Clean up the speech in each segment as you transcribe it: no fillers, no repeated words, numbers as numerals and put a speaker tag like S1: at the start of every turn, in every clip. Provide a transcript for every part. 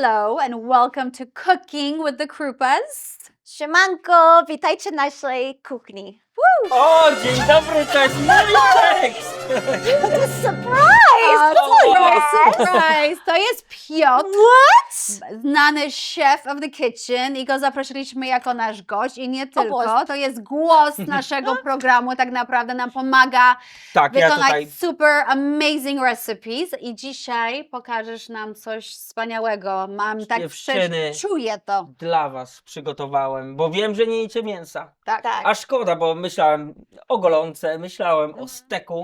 S1: Hello and welcome to Cooking with the Krupas.
S2: Siemanko, witajcie na naszej kuchni.
S3: O, dzień dobry, to jest mój tekst!
S2: To jest surprise!
S1: Surprise! To jest Piotr,
S2: What?
S1: znany chef of the kitchen i go zaprosiliśmy jako nasz gość i nie tylko.
S2: Boże.
S1: To jest głos naszego programu, tak naprawdę nam pomaga
S3: Tak, ja
S1: wykonać
S3: tutaj
S1: super amazing recipes i dzisiaj pokażesz nam coś wspaniałego. Mam tak
S3: Dziewczyny.
S1: czuję to.
S3: dla was przygotowałem, bo wiem, że nie jecie mięsa.
S1: Tak.
S2: Tak.
S3: A szkoda, bo myślałem o golonce, myślałem o steku.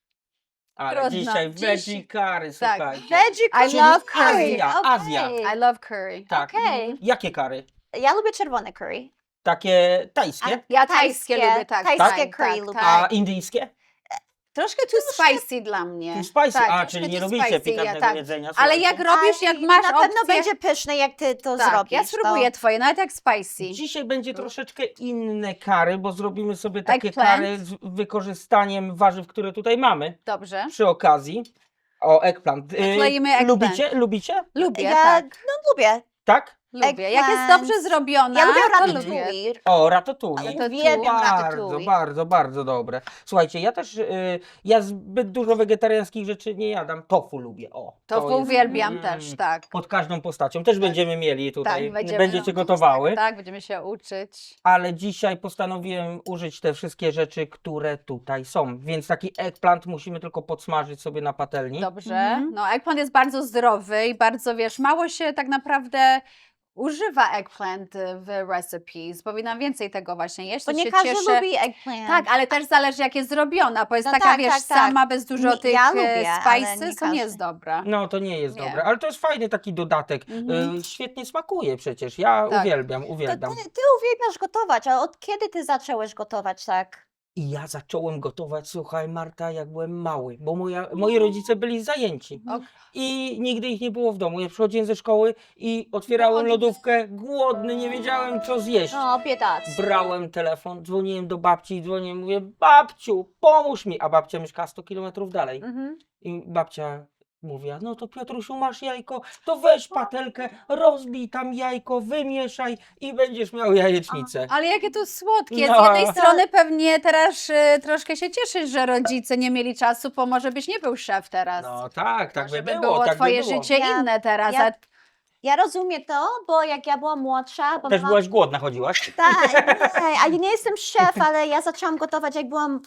S3: Ale
S1: Trudno.
S3: dzisiaj veggie curry,
S1: Tak.
S3: słuchajcie.
S2: Veggie
S1: I
S2: curry.
S1: love curry.
S3: Azja, Azja.
S1: I love curry.
S3: Tak.
S2: Okej.
S3: Jakie kary?
S2: Ja lubię czerwone curry.
S3: Takie tajskie?
S1: Ja tajskie lubię, tak.
S2: Tajskie
S1: tak,
S2: curry
S1: tak,
S2: lubię.
S3: A
S1: tak.
S3: indyjskie?
S1: Troszkę too spicy dla mnie.
S3: Too spicy?
S1: Tak,
S3: A,
S1: troszkę
S3: czyli nie
S1: too
S3: lubicie
S1: spicy,
S3: pikantnego
S1: tak.
S3: jedzenia.
S1: Ale
S3: słuchajcie.
S1: jak robisz, jak
S2: Aj,
S1: masz
S2: na pewno
S1: opcję,
S2: będzie pyszne, jak ty to
S1: tak,
S2: zrobisz.
S1: ja spróbuję twoje, nawet jak spicy.
S3: Dzisiaj będzie troszeczkę inne kary, bo zrobimy sobie takie
S1: Eggplant.
S3: kary z wykorzystaniem warzyw, które tutaj mamy.
S1: Dobrze.
S3: Przy okazji. O, eggplant.
S1: Nakleimy eggplant.
S3: Lubicie? Lubicie?
S1: Lubię,
S2: Ja
S1: tak.
S2: lubię.
S3: Tak?
S1: Lubię. Jak jest
S2: eggplant.
S1: dobrze zrobiona,
S2: Ja lubię
S1: to
S2: ratatouille.
S1: lubię.
S3: O, ratatouille.
S1: Ale to
S2: Uwielbiam
S3: Bardzo,
S2: ratatouille.
S3: bardzo, bardzo dobre. Słuchajcie, ja też, ja zbyt dużo wegetariańskich rzeczy nie jadam. Tofu lubię, o.
S1: To
S3: jest,
S1: uwielbiam też, tak.
S3: Pod każdą postacią. Też będziemy mieli tutaj,
S1: Tak, będziemy
S3: będziecie gotowały.
S1: Tak, będziemy się uczyć.
S3: Ale dzisiaj postanowiłem użyć te wszystkie rzeczy, które tutaj są. Więc taki eggplant musimy tylko podsmażyć sobie na patelni.
S1: Dobrze. No, eggplant jest bardzo zdrowy i bardzo, wiesz, mało się tak naprawdę używa eggplant w recipes. Powinnam więcej tego właśnie jeść.
S2: Bo
S1: to
S2: nie
S1: się
S2: każdy
S1: cieszę.
S2: lubi eggplant.
S1: Tak, ale też zależy jak jest zrobiona, bo jest
S2: No
S1: taka,
S2: tak,
S1: wiesz,
S2: tak, tak.
S1: sama, bez dużo tych
S2: Ja lubię, ale nie
S1: spices, to nie
S2: każdy.
S1: jest dobra.
S3: No to nie jest
S1: Nie.
S3: dobre, ale to jest fajny taki dodatek.
S1: Mhm.
S3: Świetnie smakuje przecież. Ja
S1: Tak.
S3: uwielbiam,
S2: To
S3: uwielbiam.
S2: ty uwielbiasz gotować, ale od kiedy ty zacząłeś gotować tak?
S3: I ja zacząłem gotować, słuchaj Marta, jak byłem mały, bo moi rodzice byli zajęci.
S1: Ok.
S3: I nigdy ich nie było w domu. Ja przychodziłem ze szkoły i otwierałem lodówkę, głodny, nie wiedziałem co zjeść.
S2: No, biedac.
S3: Brałem telefon, dzwoniłem do babci, mówię, babciu, pomóż mi. A babcia mieszka 100 kilometrów dalej.
S1: Mhm.
S3: I babcia mówi, no to Piotrusiu, masz jajko, to weź patelkę, rozbij tam jajko, wymieszaj i będziesz miał jajecznicę.
S1: Ale jakie to słodkie.
S3: No.
S1: Z jednej strony pewnie teraz troszkę się cieszysz, że rodzice nie mieli czasu, bo może byś nie był szef teraz.
S3: No tak, tak
S1: Może
S3: by było, tak
S1: twoje
S3: by było.
S1: życie
S2: Ja-
S1: inne teraz.
S2: ja- Ja rozumiem to, bo jak ja byłam młodsza, bo
S3: Też
S2: mama-
S3: byłaś głodna, chodziłaś?
S2: Tak, nie, a ja nie jestem szef, ale ja zaczęłam gotować jak byłam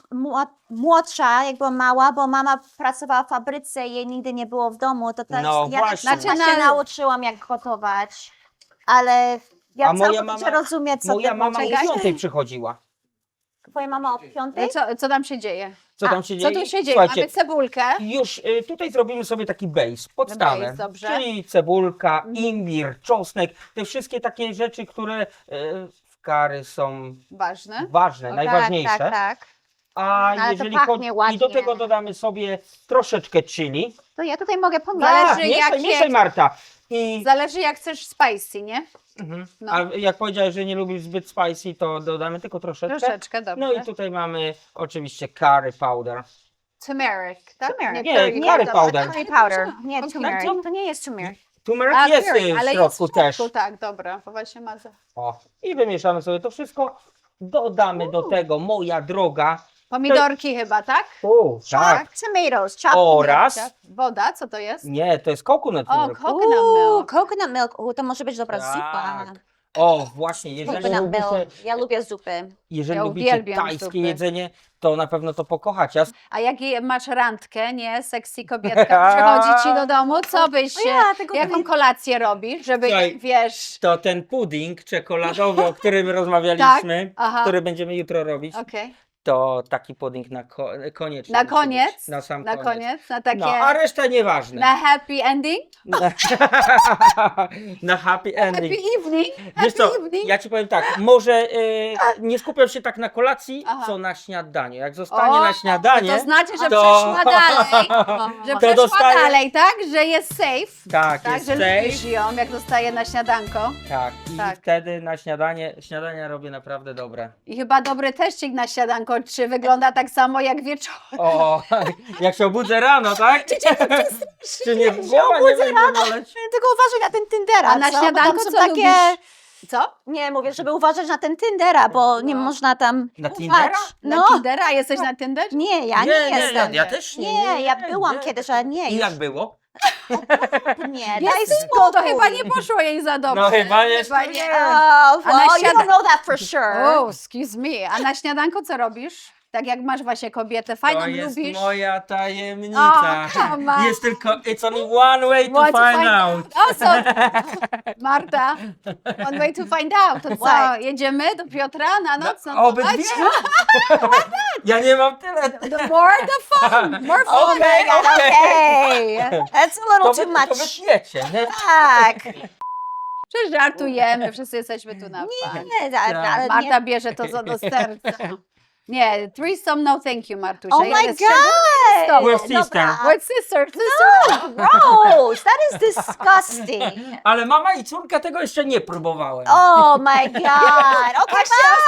S2: młodsza, jak byłam mała, bo mama pracowała w fabryce i jej nigdy nie było w domu, to też
S3: No
S2: ja
S3: właśnie.
S2: tak
S1: Znaczy,
S2: się nauczyłam jak gotować, ale ja
S3: A moja
S2: całkowicie
S3: mama-
S2: rozumiem, co
S3: Moja
S2: ty
S3: mama o
S2: czekaj.
S3: 5 przychodziła.
S2: Twoja mama o 5?
S1: Co tam się dzieje?
S3: Co tam się
S1: Co
S3: dzieje?
S1: tu się dzieje?
S3: Słuchajcie,
S1: Mamy cebulkę.
S3: już tutaj zrobimy sobie taki base, podstawę,
S1: Base, dobrze.
S3: czyli cebulka, imbir, czosnek, te wszystkie takie rzeczy, które w curry są
S1: Ważne.
S3: ważne,
S1: Tak,
S3: najważniejsze.
S2: Tak.
S3: A
S2: Ale to
S3: jeżeli
S2: pachnie ładnie.
S3: i do tego dodamy sobie troszeczkę chili.
S2: To ja tutaj mogę
S1: Zależy,
S2: pomagać.
S3: mieszaj,
S1: jakie-
S3: mieszaj Marta. I
S1: Zależy jak chcesz spicy, nie? no.
S3: A jak powiedziałeś, że nie lubisz zbyt spicy, to dodamy tylko troszeczkę.
S1: Troszeczkę, dobrze.
S3: No i tutaj mamy oczywiście curry powder.
S1: Turmeric, tak?
S2: Turmeric.
S3: Nie, curry powder.
S2: Curry powder. Nie,
S1: Okej.
S2: turmeric. To nie jest turmeric.
S3: Turmeric
S1: A,
S3: jest
S1: turmeric,
S3: w
S1: ale
S3: środku
S1: jest w
S3: też.
S1: środku, tak, dobra, bo właśnie ma
S3: O, i wymieszamy sobie to wszystko. Dodamy do tego, moja droga,
S1: pomidorki chyba, tak?
S3: tak,
S2: Tomatoes, chopped
S3: oraz,
S1: Woda, co to jest?
S3: nie, to jest coconut
S1: O,
S3: milk.
S1: coconut milk.
S2: Coconut milk. To może być dobra zupa.
S3: Tak. O, właśnie, jeżeli
S2: Coconut
S3: lubicie,
S2: milk. Ja lubię zupy.
S3: jeżeli
S1: Ja
S3: lubicie
S1: uwielbiam
S3: tajskie
S1: zupy.
S3: jedzenie, to na pewno to pokochacie.
S1: A jak masz randkę, nie? Sexy kobietka przychodzi ci do domu, co byś, jaką kolację robisz, żeby,
S3: Słuchaj,
S1: wiesz...
S3: To ten pudding czekoladowy, o którym rozmawialiśmy,
S1: Tak? Aha.
S3: który będziemy jutro robić,
S1: Okej.
S3: to taki pudding na koniecznie.
S1: Na
S3: musi
S1: koniec?
S3: być. Na sam
S1: Na koniec? Na takie...
S3: No, a reszta nieważne.
S1: Na happy ending?
S3: Na happy ending.
S1: Happy evening?
S3: Wiesz co,
S1: Happy evening?
S3: ja ci powiem tak, może nie skupiam się tak na kolacji,
S1: Aha.
S3: co na śniadaniu. Jak zostanie na śniadanie,
S1: To znaczy, że
S3: to-
S1: przeszła dalej. Że
S3: To
S1: przeszła
S3: dostaje-
S1: dalej, tak? Że jest safe.
S3: tak,
S1: Tak,
S3: jest
S1: że
S3: safe.
S1: lubisz ją, jak dostaje na śniadanko.
S3: Tak, i
S1: Tak.
S3: wtedy na śniadania robię naprawdę dobre.
S1: I chyba dobry teścik na śniadanko śniadanko, czy wygląda tak samo jak wieczorem.
S3: O, jak się obudzę rano, tak? Czy nie głowa nie będzie boleć?
S2: Tylko uważaj na ten Tindera,
S1: A na
S2: co? Bo
S1: śniadanko
S2: tam są
S1: co
S2: takie...
S1: lubisz? Co?
S2: Nie, mówię, żeby uważać na ten Tindera, bo nie
S1: No.
S2: można tam
S3: Na
S2: ufać.
S3: Tindera?
S1: Na
S2: No,
S1: Tindera? Jesteś na Tinder?
S2: nie, ja nie jestem.
S3: ja też nie.
S2: Nie, ja byłam kiedyś, ale nie,
S3: I
S2: już
S3: jak było?
S2: nie.
S1: Daj
S2: Daj
S1: spokój. To
S2: spokój.
S1: chyba nie poszło jej za dobrze.
S3: No chyba jeszcze
S1: Chyba
S3: nie.
S2: Oh,
S1: A na
S2: well, you
S1: śniada-
S2: don't know that for sure.
S1: Oh, excuse me. A na śniadanko co robisz? Tak jak masz właśnie kobietę fajną,
S3: To jest
S1: lubisz.
S3: moja tajemnica.
S1: O, come on.
S3: Jest tylko, it's only one way to
S1: What to
S3: find
S1: find
S3: out.
S1: O, co? Marta, one way to find out. To co,
S2: What?
S1: jedziemy do Piotra na noc?
S3: Obydwie? Ja nie mam tyle.
S1: The more the fun. More fun.
S3: Okej, okej.
S2: Okay, that's a little
S3: To
S2: too
S3: wy
S2: much.
S3: wytniecie, nie?
S2: Tak.
S1: Przecież żartujemy, wszyscy jesteśmy tu na fun.
S2: Nie, ale nie.
S1: Marta bierze to do serca. Nie, threesome no thank you, Martusia.
S2: Oh
S1: Ja
S2: my
S1: jest szczególnie z tobą.
S3: We're sister.
S2: Dobra.
S1: We're sisters.
S2: No, gross. That is disgusting.
S3: Ale mama i córka tego jeszcze nie próbowałem.
S2: Oh my god. Okay,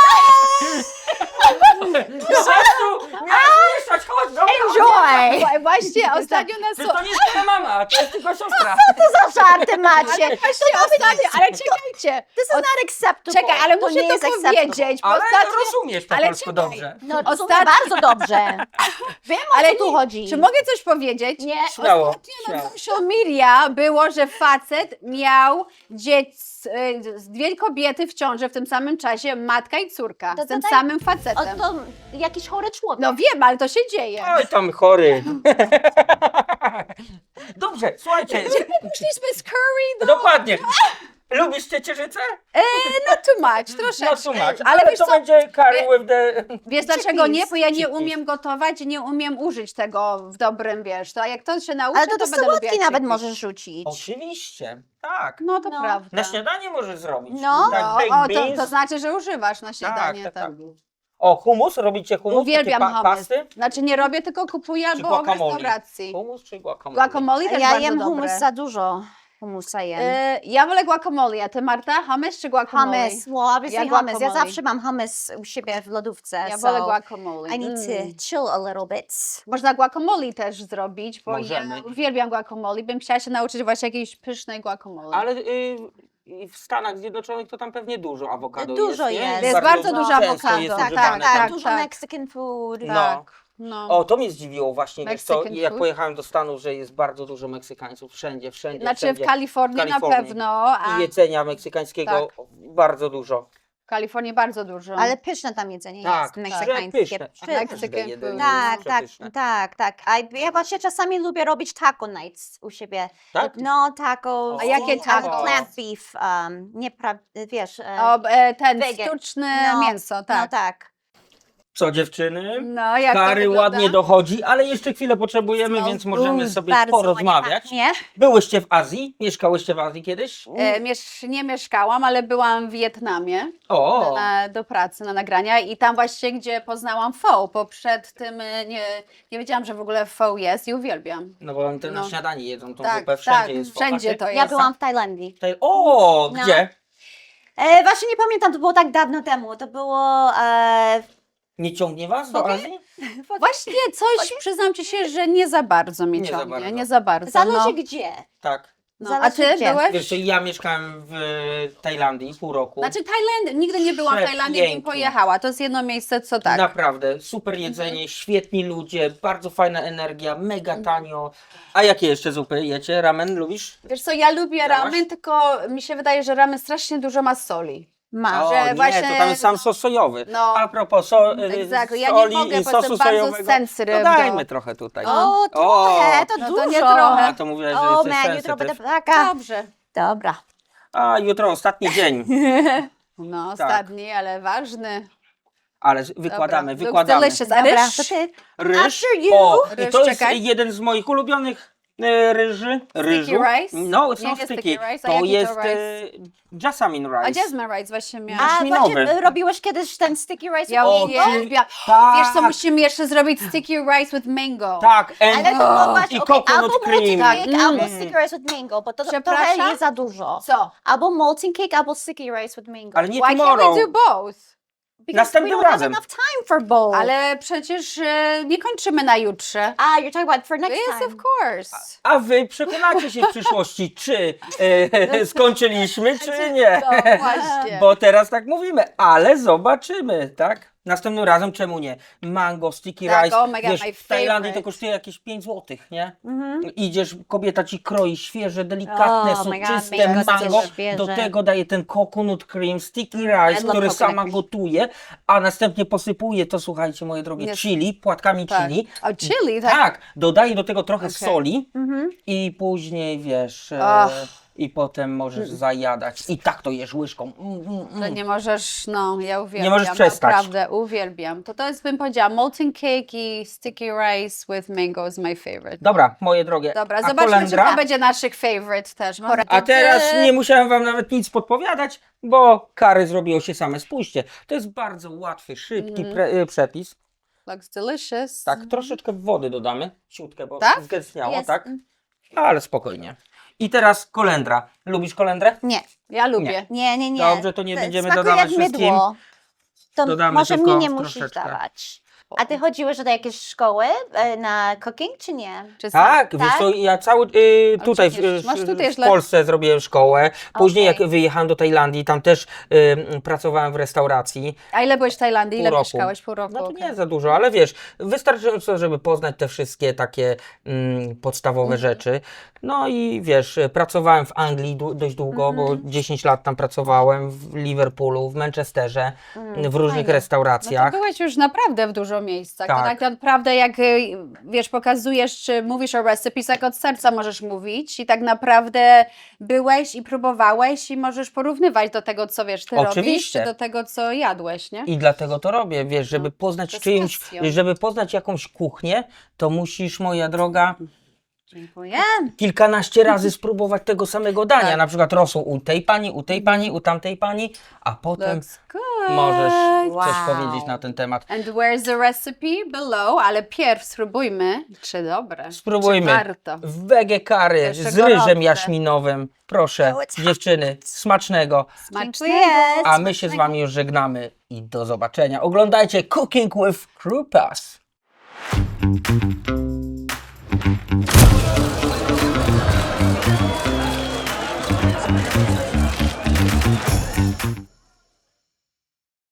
S3: Zresztą miałeś mieszać, chodź, dobra.
S2: enjoy.
S1: Właśnie ostatnio nas...
S3: Przecież to nie jest twoja mama, to jest tylko siostra.
S2: Co za żarty macie?
S1: Właśnie ostatnio, ale czekajcie.
S2: This is not acceptable.
S1: Czekaj, ale
S2: to
S1: muszę
S2: nie jest
S1: to
S2: acceptable.
S1: powiedzieć, bo
S3: Ale
S1: ostatnio...
S3: rozumiesz po
S1: ale
S3: polsku
S1: czekaj.
S3: dobrze.
S2: No, to
S1: Ostatnio-
S2: bardzo dobrze. Wiem, o
S1: Ale
S2: co tu chodzi.
S1: Czy mogę coś powiedzieć?
S2: Nie.
S3: Śmiało,
S1: Ostatnio na
S3: śmiało.
S1: social media było, że facet miał dwie kobiety w ciąży w tym samym czasie, matka i córka,
S2: To
S1: z tym
S2: tak-
S1: samym
S2: O,
S1: facetem.
S2: to jakiś chory człowiek.
S1: No wiem, ale to się dzieje.
S3: Oj, tam chory. Dobrze, słuchajcie.
S1: Szliśmy z curry,
S3: Dokładnie. Lubisz ciecierzycę?
S1: not too much, troszeczkę.
S3: No tłumacz,
S1: Ale wiesz
S3: to
S1: co,
S3: będzie curry with the...
S1: wiesz dlaczego nie? Bo ja nie
S3: Chickpeas.
S1: umiem gotować, nie umiem użyć tego w dobrym, wiesz, to jak to się nauczy,
S2: Ale to do
S1: będę lubiła
S2: sałatki nawet
S1: chickpeas.
S2: możesz rzucić.
S3: Oczywiście, tak.
S1: No to
S2: No.
S1: prawda.
S3: Na śniadanie możesz zrobić.
S2: No.
S3: Tak,
S1: No,
S3: baked
S1: o,
S3: beans.
S1: to znaczy, że używasz na śniadanie.
S3: tak,
S1: tak.
S3: tak. O, hummus? Robicie hummus?
S1: Uwielbiam
S3: Takie
S1: hummus.
S3: pasty?
S1: Znaczy nie robię, tylko kupuję
S3: Czy
S1: albo w
S3: guacamole?
S1: restauracji.
S3: Hummus czy guacamole?
S1: Guacamole też
S2: Ja
S1: bardzo
S2: jem
S1: dobre.
S2: hummus za dużo. Hummusa jem.
S1: Ja wolę guacamole, a ty Marta? Hummus czy guacamole?
S2: Hummus, well obviously
S1: Ja
S2: hummus. Ja
S1: guacamole.
S2: zawsze mam hummus u siebie w lodówce.
S1: Ja
S2: so
S1: wolę guacamole.
S2: I need to chill a little bit.
S1: Można guacamole też zrobić, bo
S3: Możemy.
S1: ja uwielbiam guacamole. Bym chciała się nauczyć właśnie jakiejś pysznej guacamole.
S3: Ale w Stanach Zjednoczonych to tam pewnie dużo awokado
S2: Dużo
S3: jest. nie?
S2: jest.
S1: Jest bardzo dużo
S3: często
S1: awokado.
S3: jest
S2: Tak,
S3: używane
S2: tak, tak.
S3: tam.
S2: Dużo
S1: tak.
S2: Mexican food.
S3: No.
S1: Tak. No.
S3: O, to mnie zdziwiło właśnie, wiesz co,
S1: Mexican
S3: jak
S1: food.
S3: pojechałem do Stanów, że jest bardzo dużo Meksykańców, wszędzie.
S1: Znaczy
S3: wszędzie.
S1: w Kalifornii, na
S3: Kalifornii.
S1: pewno, a
S3: I jedzenia meksykańskiego bardzo dużo.
S1: w Kalifornii bardzo dużo.
S2: Ale pyszne tam jedzenie
S3: Tak,
S2: jest.
S3: tak.
S2: Meksykańskie.
S3: Pyszne.
S1: Mexican
S3: Każde jedzenie
S1: food.
S2: Tak,
S3: jest
S2: tak,
S3: przepyszne.
S2: tak. A ja właśnie czasami lubię robić taco nights u siebie.
S3: Tak?
S2: No, taco.
S3: A
S1: jakie taco?
S2: Plant beef, wiesz.
S1: Ten
S2: Vegan.
S1: sztuczne
S2: No,
S1: mięso, tak.
S2: No tak.
S3: Co dziewczyny?
S1: No, jak to
S3: Kary
S1: wygląda?
S3: ładnie dochodzi, ale jeszcze chwilę potrzebujemy,
S2: No,
S3: więc możemy sobie
S2: bardzo
S3: porozmawiać.
S2: Nie?
S3: Byłyście w Azji? Mieszkałyście w Azji kiedyś?
S1: Nie mieszkałam, ale byłam w Wietnamie
S3: O,
S1: do pracy, na nagrania i tam właśnie, gdzie poznałam pho, bo przed tym nie wiedziałam, że w ogóle pho jest i uwielbiam.
S3: no bo oni to na
S1: No.
S3: śniadanie jedzą, tą
S1: Tak,
S3: zupę, wszędzie
S1: tak,
S3: jest pho.
S1: wszędzie
S3: A ty?
S1: to jest.
S2: Ja byłam w Tajlandii.
S3: O,
S2: No.
S3: gdzie?
S2: Właśnie nie pamiętam, to było tak dawno temu. To było.
S3: Nie ciągnie was do
S2: Okej.
S3: Azji?
S1: Właśnie coś, przyznam ci się, że nie za bardzo mnie
S3: Nie za
S1: ciągnie,
S3: bardzo.
S1: nie za bardzo.
S2: Zależy
S1: no.
S2: gdzie.
S3: Tak.
S1: No. A
S2: zależy
S1: ty
S2: gdzie.
S1: byłeś?
S3: Wiesz, co, ja mieszkałem w Tajlandii pół roku.
S1: Znaczy Tajland, nigdy nie byłam w Tajlandii, bym
S3: Przepięknie.
S1: pojechała. To jest jedno miejsce, co tak.
S3: Naprawdę, super jedzenie, świetni ludzie, bardzo fajna energia, mega tanio. A jakie jeszcze zupy jecie? Ramen lubisz?
S1: Wiesz co, ja lubię
S3: Miałaś?
S1: ramen, tylko mi się wydaje, że ramen strasznie dużo ma soli.
S2: Ma.
S3: O,
S1: że
S3: nie,
S1: właśnie-
S3: to tam jest sam sos sojowy.
S1: No.
S3: A propos
S1: Exactly. Ja nie
S3: soli
S1: mogę,
S3: i
S1: bo
S3: sosu
S1: jestem bardzo
S3: sojowego,
S1: sensitive
S3: to dajmy
S1: do-
S3: trochę tutaj.
S2: O, trochę, to
S1: No to
S2: dużo.
S1: nie trochę.
S3: A to mówiłaś, że
S2: O,
S3: jesteś
S2: man, jutro
S3: sensitive.
S2: będę taka.
S1: Dobrze.
S2: Dobra.
S3: A jutro ostatni dzień,
S1: No,
S3: Tak.
S1: ostatni, ale ważny.
S3: ale wykładamy,
S1: Dobra.
S3: wykładamy.
S1: Looks delicious. A
S2: Dobra,
S1: ryż?
S2: to ty.
S3: Ryż,
S2: After you.
S3: o, i
S1: Ryż,
S3: to jest
S1: czekaj.
S3: jeden z moich ulubionych ryżu.
S1: rice?
S3: No, it's
S1: Nie,
S3: not
S1: nie
S3: sticky.
S1: sticky rice, a
S3: To
S1: jaki to
S3: jest
S1: rice?
S3: jasmine
S1: A
S3: rice.
S1: jasmine rice właśnie miałam.
S2: A
S3: jaśminowy.
S2: właśnie robiłeś kiedyś ten sticky rice?
S1: Ja
S2: with mango?
S1: uwielbiam.
S3: Tak.
S1: Wiesz co, musimy jeszcze zrobić sticky rice with mango.
S3: Tak,
S2: Ale to mogłaś,
S3: i
S2: okej,
S3: coconut
S2: albo
S3: cream.
S2: molten
S1: Tak,
S2: cake, albo sticky rice with mango, bo to trochę
S1: Przepraszam?
S2: jest za dużo.
S1: Co?
S2: Albo molten cake, albo sticky rice with mango.
S3: Ale nie
S1: Why can't
S3: tomorrow.
S1: we do both?
S2: Because
S3: Następnym
S2: we don't
S3: razem.
S2: have enough time for both.
S1: Ale przecież nie kończymy na jutrze.
S2: You're talking about for next
S1: Yes,
S2: time.
S1: of course.
S3: A wy przekonacie się w przyszłości, czy skończyliśmy, czy nie.
S1: No właśnie.
S3: Bo teraz tak mówimy, ale zobaczymy, tak? Następnym razem czemu nie? Mango, sticky
S1: Tak,
S3: rice,
S1: oh my God,
S3: wiesz,
S1: my
S3: w Tajlandii to
S1: favorite.
S3: kosztuje jakieś 5 zł, nie?
S2: Mhm.
S3: Idziesz, kobieta ci kroi świeże, delikatne,
S2: Oh my God,
S3: soczyste
S2: mango,
S3: mango,
S2: świeże.
S3: do tego daje ten coconut cream, sticky rice,
S2: love
S3: który
S2: coconut
S3: sama
S2: cream.
S3: gotuje, a następnie posypuje to, słuchajcie, moje drogie,
S1: Jest.
S3: chili, płatkami
S1: Tak.
S3: chili.
S1: O, chili, tak?
S3: Tak, dodaje do tego trochę
S1: Okej.
S3: soli
S2: Mhm.
S3: i później, wiesz,
S1: Ach.
S3: i potem możesz zajadać. I tak to jesz łyżką.
S1: Że nie możesz, no ja uwielbiam.
S3: Nie możesz przestać.
S1: Naprawdę, uwielbiam. To jest, bym powiedziała, molten cake i sticky rice with mango is my favorite.
S3: Dobra, moje drogie.
S1: Dobra,
S3: a
S1: zobaczmy, czy
S3: kolendra?
S1: to będzie naszych favorite też.
S3: A teraz nie musiałem wam nawet nic podpowiadać, bo kary zrobiło się same. Spójrzcie, to jest bardzo łatwy, szybki przepis.
S1: Looks delicious.
S3: Tak, troszeczkę wody dodamy, siutkę, bo
S1: Tak?
S3: zgęstniało,
S2: Jest.
S3: tak? Ale spokojnie. I teraz kolendra. Lubisz kolendrę?
S2: Nie,
S1: Ja lubię.
S2: nie.
S3: Dobrze, to nie będziemy
S2: smakuje
S3: dodawać
S2: jak
S3: wszystkim.
S2: mydło. To
S3: Dodamy
S2: może
S3: tylko
S2: mi nie musisz
S3: troszeczkę.
S2: dawać. A ty chodziłeś do jakiejś szkoły na cooking, czy nie?
S1: Czy
S3: Tak,
S2: Tak?
S3: wiesz co, ja cały tutaj
S1: Oczywiście. Masz tutaj
S3: w
S1: źle-
S3: Polsce zrobiłem szkołę. Później
S2: Okej.
S3: jak wyjechałem do Tajlandii, tam też pracowałem w restauracji.
S1: A ile byłeś w Tajlandii? Ile
S3: Pół roku.
S1: mieszkałeś? Pół roku.
S3: No to
S1: okej.
S3: nie za dużo, ale wiesz, wystarczająco, żeby poznać te wszystkie takie podstawowe rzeczy. No i wiesz, pracowałem w Anglii dość długo, bo 10 lat tam pracowałem, w Liverpoolu, w Manchesterze, w różnych
S2: fajnie.
S1: No to
S3: restauracjach.
S1: byłeś już naprawdę w dużo miejscach. To
S3: Tak.
S1: tak naprawdę jak, wiesz, pokazujesz, czy mówisz o recipes, jak od serca możesz mówić i tak naprawdę byłeś i próbowałeś i możesz porównywać do tego, co wiesz, ty robisz,
S3: Oczywiście.
S1: czy do tego, co jadłeś, nie?
S3: I dlatego to robię, wiesz, żeby poznać
S1: to z
S3: czyjąś,
S1: pasją.
S3: żeby poznać jakąś kuchnię, to musisz, moja droga,
S1: Dziękuję.
S3: kilkanaście razy spróbować tego samego dania.
S1: Tak.
S3: Na przykład rosół u tej pani, u tej pani, u tamtej pani, a potem
S1: Looks good.
S3: możesz coś
S2: Wow.
S3: powiedzieć na ten temat.
S1: And where's the recipe? Below, ale pierw spróbujmy, czy dobre,
S3: Spróbujmy.
S1: czy warto.
S3: W wege curry
S1: Jeszcze
S3: z ryżem
S1: gorące.
S3: jaśminowym. Proszę,
S2: Oh, it's hot.
S3: dziewczyny, smacznego.
S1: Smacznego.
S3: A my się z wami już żegnamy i do zobaczenia. Oglądajcie Cooking with Krupas.